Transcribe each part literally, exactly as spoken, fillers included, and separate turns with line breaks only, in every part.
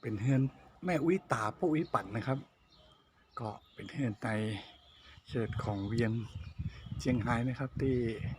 เป็นเฮือนแม่อุ้ยตาป้าอุ้ยปั่นนะครับก็เป็นเฮือนในเขตของเวียงเชียงไฮ้นะครับที่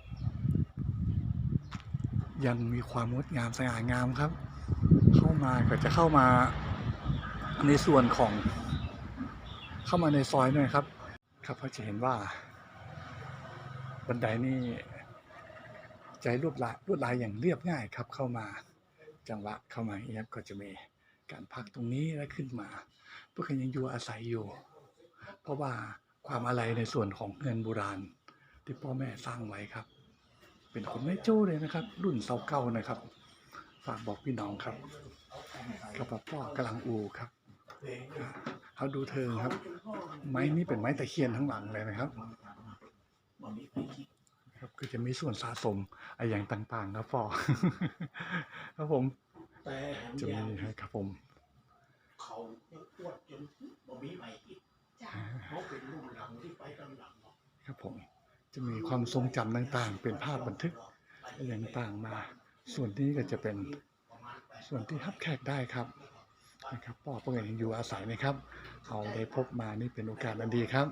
ยังมีความงดงามสง่างามครับเข้ามาก็จะเข้ามาในส่วนของเข้ามาในซอยหน่อยครับครับเขาจะเห็นว่าบันไดนี่ใจลวดลายลวดลายอย่างเรียบง่ายครับเข้ามาจังหวะเข้ามาอย่างนี้ก็จะมีการพักตรงนี้แล้วขึ้นมาเพื่อยังอยู่อาศัยอยู่เพราะว่าความอะไรในส่วนของเงินโบราณที่พ่อแม่สร้างไว้ครับเป็นคนไม่โจ้เลยนะครับ รุ่นเสาเก่านะครับฝากบอกพี่น้องครับกับพ่อกำลังอูครับเขาดูเธอครับไม้นี้เป็นไม้ตะเคียนทั้งหลังเลยนะครับครับก็จะมีส่วนสะสมอะไรอย่างต่างๆครับพ่อครับผมจะมีครับผม
เขาปวดจนบ่มีไปอีกเขาเป็นรุ่นหลังที่ไปตอนหลัง
ครับผมจะมีความทรงจำต่างๆเป็นภาพบันทึกอย่างต่างมาส่วนนี้ก็จะเป็นส่วนที่รับแขกได้ครับนะครับพ่อเพื่อนอยู่อาศัยนะครับเอาได้พบมานี่เป็นโอกาสอันดีครับ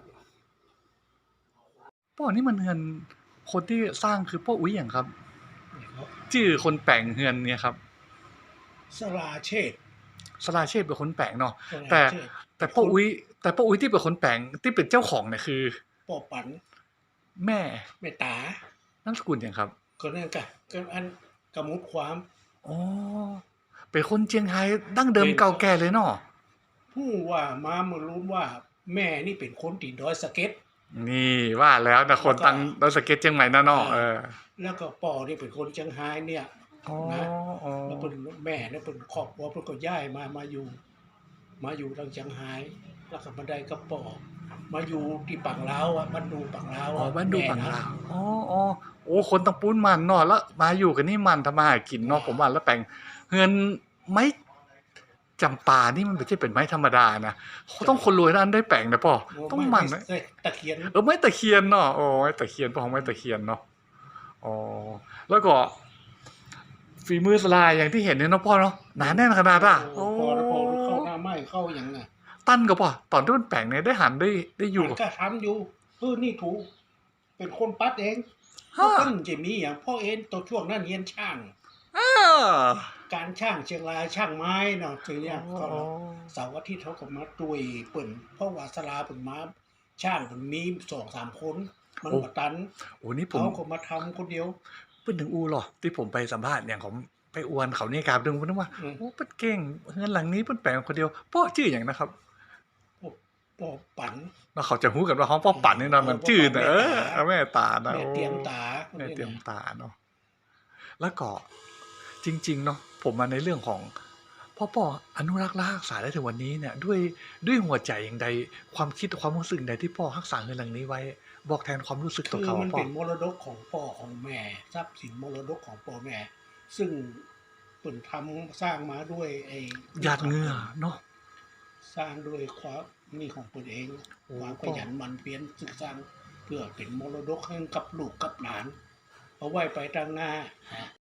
พ่อนี่มันเฮือนคนที่สร้างคือพ่ออุ้ยอย่างครับชื่อคนแปลงเฮือนเนี่ยครับ
สลาเชษ
สลาเชษเป็นคนแปลงเนาะแต่แต่พ่ออุ้ยแต่พ่ออุ้ยที่เป็นคนแปลงที่เป็นเจ้าของเนี่ยคือ
ป่อปัน
แม่
แม่ตาน
ามสกุลอย่างครับ
ก็นั่นกะก็อันกำมุดความ
อ๋อเป็นคนเชียงไฮ้ดั้งเดิมเก่าแก่เลยเนาะ
ผู้ว่ามาเมื่อรู้ว่าแม่นี่เป็นคนตีดอยสะเก็ต
นี่ว่าแล้วนะคนตั้งดอยสะเก็ตเชียงใหม่นะเนาะเออ
แล้วก็ป่อนี่เป็นคนเชียงไฮ้เนี่ยนะแล้วเป็นแม่แล้วเป็นครอบครัวเพิ่นก็ย้ายมามาอยู่มาอยู่ทางเชียงไฮ้แล้วก็มาได้กับป่อมาอยู่ที่ปังลาวอ่ะบ้านดูปังลาว
อ๋อบ้านดูปังลาวอ๋ออ๋อโอ้คนตังปูนมันเนาะแล้วมาอยู่กันนี่มันทำมาหากินเนาะผมว่าแล้วแปลงเงินไม้จำปานี่มันไม่ใช่เป็นไม้ธรรมดานะต้องคนรวยนั้นได้แปลงนะป่อต้องมันนะ
ตะเคียน
เออไม้ตะเคียนเนาะโอ้ไม้ตะเคียนป่อไม้ตะเคียนเนาะอ๋อแล้วก็ฝีมือสลายอย่างที่เห็นเนี่ยเนาะพ่อเนาะหนาแน่นขนาดอ่ะ
โอ้พอพอเข้าหน้าไม้เข้าอย่างน่ะ
ตั้นก็ป่อตอนที่มันแปลงเนี่ยได้หันได้ได้อยู่
ก็ทำอยู่เออนี่ถูกเป็นคนปัดเองเพราะตั้งจะมีอย่างพ่อเอ็นตัวช่วงนั้นเรียนช่างการช่างเชียงรายช่างไม้เนาะคือเนี่ยก็เสาร์อาทิตย์เขาก็มาตุยเปิ่นเพราะว่าสลาเปิ่นมาช่างเปิ่นมีสองสามคนมันบ่ตัน
โอ้นี่ผม
เขาก็มาทำคนเดียว
เพิ่นถึงอูหรอที่ผมไปสัมภาษณ์อย่างของไปอวนเขาเนี่ยกราบดึงเพิ่นว่าโอ้เพิ่นเก่งเฮือนหลังนี้เพิ่นแปลงคนเดียวพ่อชื่อหยังนะครับ
ป่อปัน
แล้วเขาจะฮู้กันว่าฮ้องพ่อปั่นนี่เนาะมันชื่อเออแม่ตานะ
แม่เตรียมตา
แม่เตรียมตาเนาะแล้วก็จริงๆเนาะผมมาในเรื่องของพ่อป่ออนุรักษ์และรักษาได้ถึงวันนี้เนี่ยด้วยด้วยหัวใจอย่างใดความคิดความรู้สึกใดที่พ่อรักษาเฮือนหลังนี้ไว้บอกแทนความรู้สึกตัวเขา
คือมันเป็นมรดกของพ่อของแม่ทรัพย์สินมรดกของพ่อแม่ซึ่งเปิ่นทำสร้างมาด้วยไอ้
หยาดเหงื่อเนาะ
สร้างด้วยความนี่ของตนเองความขยันหมั่นเพียรศึกษาเพื่อเป็นมรดกให้กับลูกกับหลานเอาไว้ไปทางหน้า